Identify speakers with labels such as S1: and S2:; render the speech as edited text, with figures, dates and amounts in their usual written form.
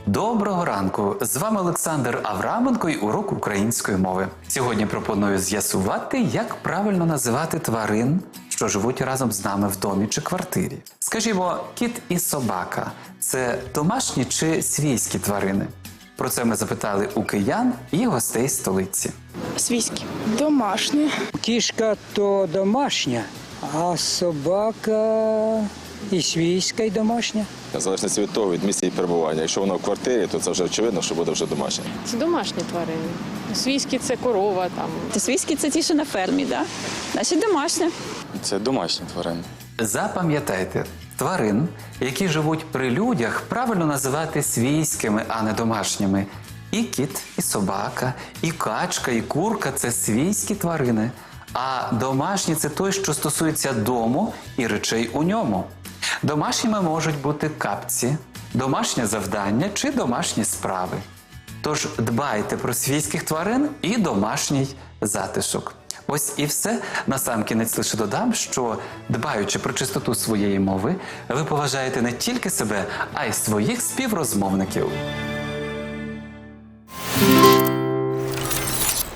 S1: Доброго ранку! З вами Олександр Авраменко і урок української мови. Сьогодні пропоную з'ясувати, як правильно називати тварин, що живуть разом з нами в домі чи квартирі. Скажімо, кіт і собака – це домашні чи свійські тварини? Про це ми запитали у киян і гостей столиці.
S2: Свійські. Домашні.
S3: Кішка то домашня, а собака і свійська, і домашня.
S4: В залежності від того, від місця її перебування. Якщо воно в квартирі, то це вже очевидно, що буде вже домашнє.
S5: Це домашні тварини. Свійські – це корова там.
S6: Свійські – це ті, що на фермі, да? Значить, домашня.
S7: Це домашні тварини.
S1: Запам'ятайте, тварин, які живуть при людях, правильно називати свійськими, а не домашніми. І кіт, і собака, і качка, і курка – це свійські тварини. А домашні – це той, що стосується дому і речей у ньому. Домашніми можуть бути капці, домашнє завдання чи домашні справи. Тож дбайте про свійських тварин і домашній затишок. Ось і все. Насамкінець лише додам, що, дбаючи про чистоту своєї мови, ви поважаєте не тільки себе, а й своїх співрозмовників.